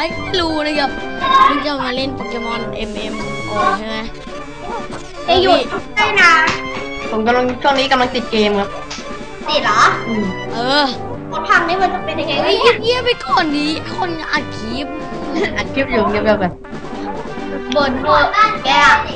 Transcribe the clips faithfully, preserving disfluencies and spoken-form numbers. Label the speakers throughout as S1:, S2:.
S1: ก็ไม่รู้นะครับนี่จะมาเล่นโปเกมอน เอ็ม เอ็ม โอ ใช่ไหม
S2: ไอหยุดใช่นะผมกำลังช่วงนี้กำลังติดเกมครับติดเหรอ
S1: เออ
S2: เขาทำนี่มันจะเป็นยังไง
S1: เฮ้ยเงียบไปก่อนดีคนอัดคลิป
S2: อัดคลิปอยู่เงียบๆไปบนโหดแก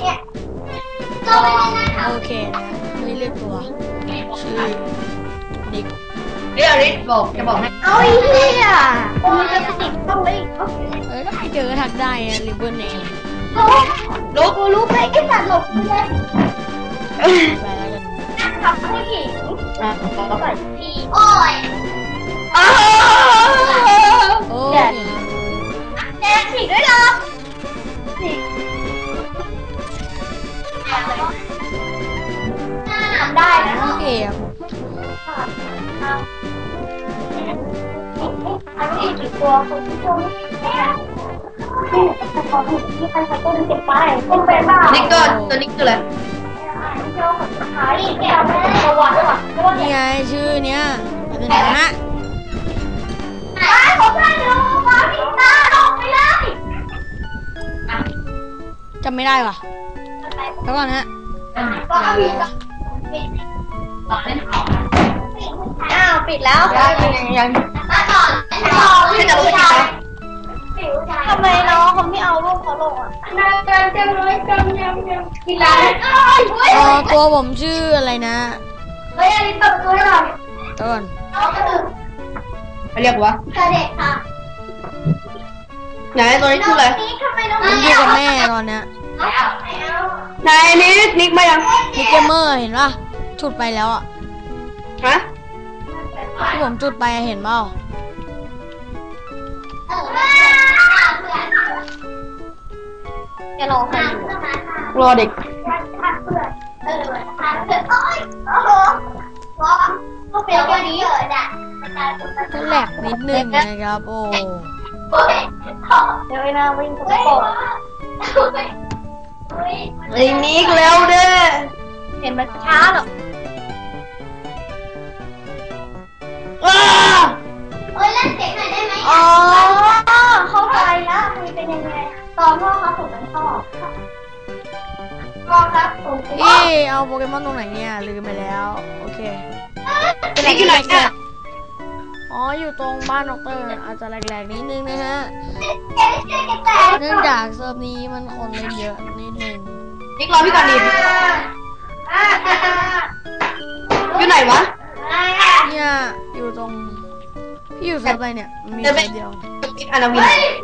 S1: โอเคนะไม่เลือกตัวชื่อนิก
S2: เรียริสบอกจะบอกให้เอาอีเหี้ยมันจะติดต้องเลย
S1: เออถ้าใครเจอทักได้นะริบเบิ้ลเอง
S2: ลุกลุกไปไอ้สัตว์หลบเลย
S1: ไปแล้วกัน
S2: ทำผู้หญิงอ่ะใส่พี่โอ้ย
S1: โอ้
S2: ยแดงฉีกด้วยเหรอฉีกทำได้นะ
S1: เกม
S2: อันนี้กี่ตัวคุณผู้ชมที่ใครเขาต้นเก็บไปต้นเป็นบ้านี่ก็ตัวนี้คืออะไร
S1: นี่ไงชื่อเนี้ยเป็นไงฮะจำไม่ได้ว่ะแล้วก่อนฮะ
S2: อ้าวปิดแล้วยังยังไม่จะรู้จักทำไมน้องเขาไม่เอารูปเขาลงอ่ะน่าจะจะเลยจำยังยังกินอะไร
S1: อ๋อตัวผมชื่ออะไรนะ
S2: เฮ้ยอันนี้ตัดตัวหน่อย
S1: ต้น
S2: น้องก็คือเรียกว่ากระเด็กค่ะไหนตัวนี้ชื่ออะไร
S1: ผมอยู่กับแม่ตอนเนี้ย
S2: ไหนนิกนิกมายัง
S1: นิกเกมเมอร์เห็นป่ะจุดไปแล้วอ่ะ
S2: ฮะ
S1: ที่ผมจุดไปเห็นเปล่า
S2: จะรอใครรอเด็ก
S1: ก็แหลกนิดนึงนะครับโอ้
S2: เดี๋ยวไอ้นาวิ่งตกไอ้นิกเร็วเด้อเห็นมันช้าหรอว้าเฮ้ยเล่นเสียงหน่อยได้ไหมอ๋อเข้าใจแล้วมันเป็นยังไงตอนพ่อเขาถูกกันพ่อพ่อครับผม
S1: พี่เอาโปเกมอนตรงไหนเนี่ยลืมไปแล้วโอเค
S2: เป็นอะไรกันเนี่ย
S1: อ๋ออยู่ตรงบ้านดอกเตอร์อาจจะแหลกๆนิดนึงนะฮะเนื่องจากเซิร์ฟนี้มันคนเล่นเยอะนิดนึง
S2: นิกรอพี่ก่อนดิอยู่ไหนวะ
S1: เนี่ยอยู่ตรงพี่อยู่เซิร์ฟอะไรเนี่ยมีเซิร์ฟเดียว
S2: อานาวิน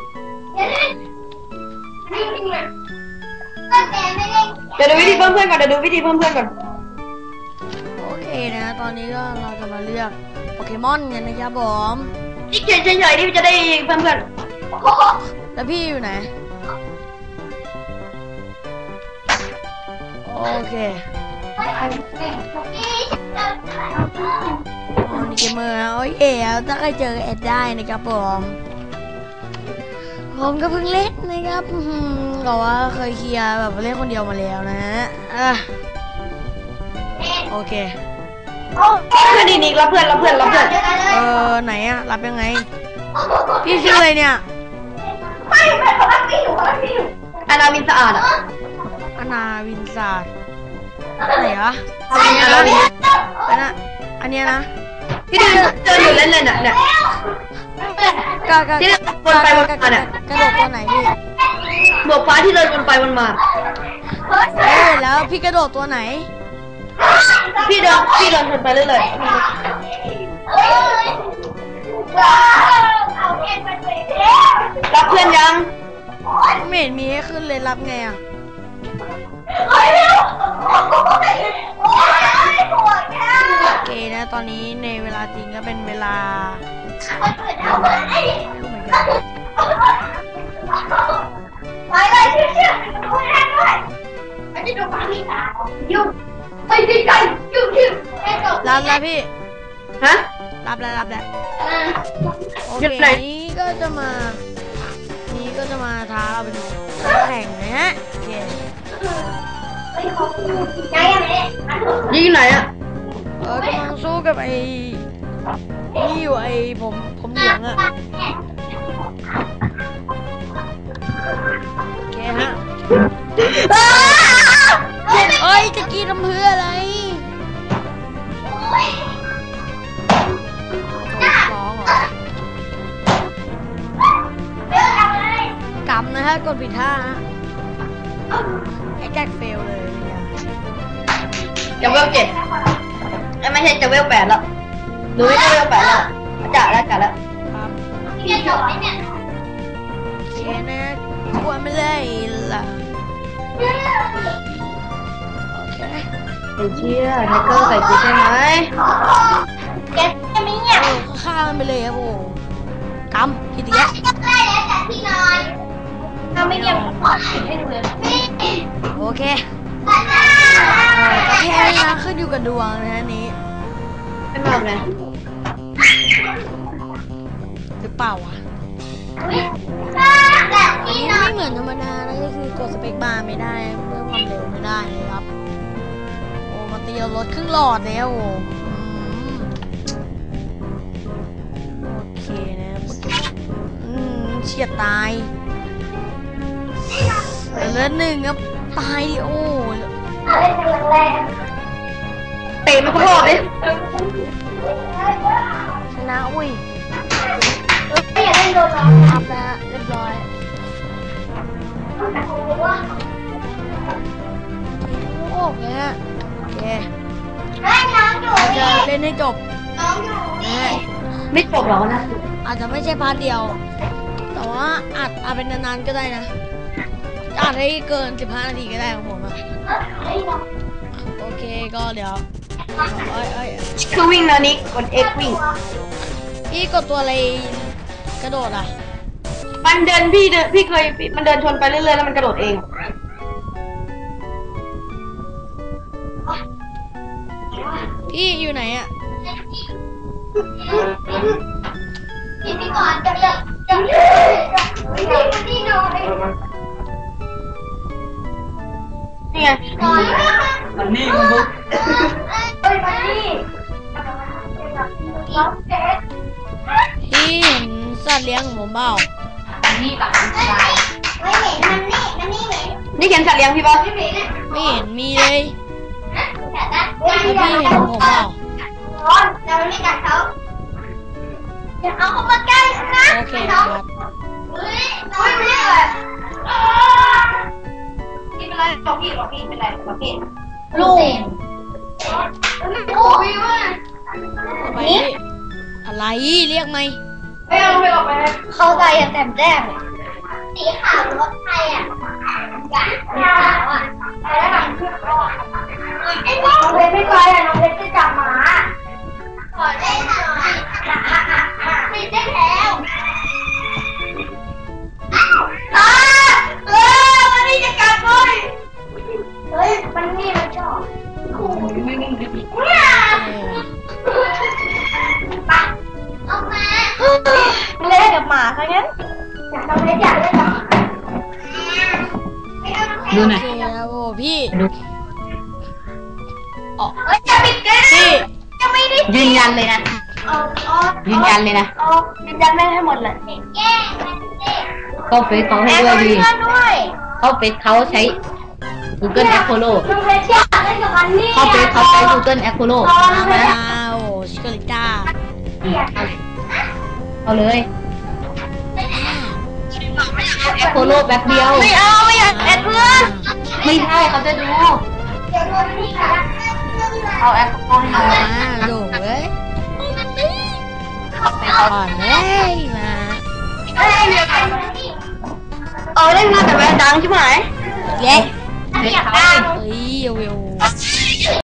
S2: เดี๋ยวดูวิธีเพิ่มเพื่อนก่อนเดี๋ยวดูวิธีเพิ่มเพื่อนก่อน
S1: โอเคนะตอนนี้ก็เราจะมาเลือกโปเกมอนกันนะครับผม
S2: นี่เฉยเฉยๆนี่จะได้เพื่อนเพื่อน
S1: แล้วพี่อยู่ไหนโอเคอ๋อนี่เกมเมอร์นะโอ้ยเอ๋ถ้าใครเจอแอดได้นะครับผมผมก็เพิ่งเล่นนะครับก็ว่าเคยเคลียร์แบบเล่นคนเดียวมาแล้วนะอ่ะโอเค
S2: เพื่อนดีนิกรับเพื่อนรับเพื่อนรับเพื่อน
S1: เออไหนอะรับยังไงพี่ชื่ออะไรเนี่ย
S2: ไม่ไม่เขารับพี่อยู่เขารับพี่อยู่อานาวินสะอาดอะ
S1: อานาวินสะอาดไหนวะอันนี้นะอันนั้นอันนี้นะ
S2: ที่เดินเดินอยู่เล่นเลยน่ะเนี่ย
S1: กระกระที่เดินวนไปวนมาเนี่ยกระโดดตัวไหนพี่
S2: บวกฟ้าที่เดินวนไปวนมา
S1: เอ้ยแล้วพี่กระโดดตัวไหน
S2: พี่เดินพี่เดินวนไปเรื่อยๆรับเพื่อนยัง
S1: ไม่เห็นมีให้ขึ้นเลยรับไงอ่ะโอเคนะตอนนี้ในเวลาจริงก็เป็นเวลาไม่รู้เหมือนกัน
S2: ไปเลยเชื่อๆดูแลด้วยอันนี้ดูความมีตายุ่งไปดีใจยุ่งยุ่ง
S1: รับแล้วพี่
S2: ฮะ
S1: รับแล้วรับแล้วโอเคนี้ก็จะมานี้ก็จะมาท้าเราเป็นแข่งนะฮะโอเค
S2: ยิงไหนอ่ะ
S1: เออกำลังสู้กับไอ้นี่อยู่ไอ้ผมผมเหลืองอ่ะเอ้ยจะกินน้ำเพื่ออะไรฟ้องเหรอกำนะฮะกดผิดท่าฮะไอ้แจ็คเฟลเลย
S2: จะเวลเจ็ดไม่ใช่จะเวลแปดแล้วดูไม่ได้เวลแปดแล้วจ่าแล้วจ่าแล้ว
S1: ครับ
S2: พี่จบไหมเนี่ย
S1: เชียนะกลัวไม่เลยล่ะโอเค
S2: ไอ้เชี่ยไทเกอร์ใส่กูใช่ไหมแกจะไม่เงียบ
S1: ฆ่ามันไปเลยครับโอ้กำผิดอีกแล้ว
S2: ได้แล้วแต่พี่นอนถ้าไม่เงียบขอให้ดูเลย
S1: โอเคก็แค่นี้นะขึ้นอยู่กับดวงนะฮะนี้
S2: เป็นแบบไหน
S1: หรือเปล่าวะอันนี้ไม่เหมือนธรรมดานะก็คือกดสเปคบาร์ไม่ได้เพิ่มความเร็วไม่ได้เลยครับโอ้มาตีเราลดครึ่งหลอดแล้วโอ้โอเคนะอืมเฉียดตายเหลือหนึ่งครับตายดิโอ้
S2: เตะมันก็รอดเลย
S1: ชนะอุ้ย
S2: ไม่อยากเล่นโดนเรา
S1: อัพแล้วเรียบร้อยโอ้โหเนี่ยโอเคจะเล่นให้จบ
S2: ไม่จบหรอนะ
S1: อาจจะไม่ใช่พาร์ทเดียวแต่ว่าอาจอาจเป็นนานๆก็ได้นะอาจให้เกินสิบห้านาทีก็ได้ของผมอะโอเคก็เดี๋ยวเอ้ยเอ้ย
S2: คือวิ่งนะนิกกด X วิ่ง
S1: พี่กดตัวอะไรกระโดดอ่ะ
S2: มันเดินพี่เดินพี่เคยมันเดินชนไปเรื่อยๆแล้วมันกระโดดเอง
S1: พี่อยู่ไหนอ่ะ
S2: พี่ก่อนจะจะจะพี่นอนนี่ไงมันนี่มันบุ๊กเฮ้ยมันนี่
S1: พี่เห็นสัตว์เลี้ยงของผมเปล่า
S2: มันนี่กับมันไม่เห็นมันนี่มันนี่เห็นนี่เห็นสัตว์เลี้ยงพี่ป่ะ
S1: ไม่เห็นมีเลยแล้วพี่เห็นของผมเปล่า
S2: เราไม่กัดเขาอย่าเอาเข้ามาใกล้นะ
S1: โอเคครับ
S2: เฮ้ยน้อยไม่เลยพี่เป็นไรบอกพี่บอกพี่เป็นไรบอกพี่ลูกโอ้ยว่า
S1: นี่อะไรเรียกไหม
S2: ไม่เอาไม่ออกไปเข้าใจอย่างแจ่มแจ้งสีขาวรถไทยอ่ะสีขาวอ่ะแล้วหลังขึ้นก็ไอ้น้องเพชรไม่ไปอ่ะน้องเพชรจะจับหมาขอเล่นหน่อยติดได้แล้วอ้าเออมันนี่จะกัดเลยเฮ้ยมันนี่มันชอบเอามาเล่นกับหมาซะงั้นอยากทำเล่นอยากเล่นกับ
S1: ดูหน่อยโอ้พี่
S2: อ๋อจะปิดกันพี่จะไม่ได้ยืนยันเลยนะยืนยันเลยนะยืนยันไม่ให้หมดเลย
S3: เข้าเฟซเขาให้ด้วยดีเข้าเฟซเขาใช้ Google Apollo เข้าเฟซเขาใช้ Google Apollo
S1: ว้าวชิคาริต้า
S3: เอาเลย Apollo แป๊บเดียว
S2: ไม่เอาไม่อยากแอดเพื่อน
S3: ไม่ใช่เขาจะดูเอาแอปเปิลให้
S1: มาดูเว้ยไปก่อนเลยมา
S2: เออเล่นมาแต่แม่ดังใช่ไหม
S1: เย้
S2: อยากดัง
S1: เฮ้ยเวล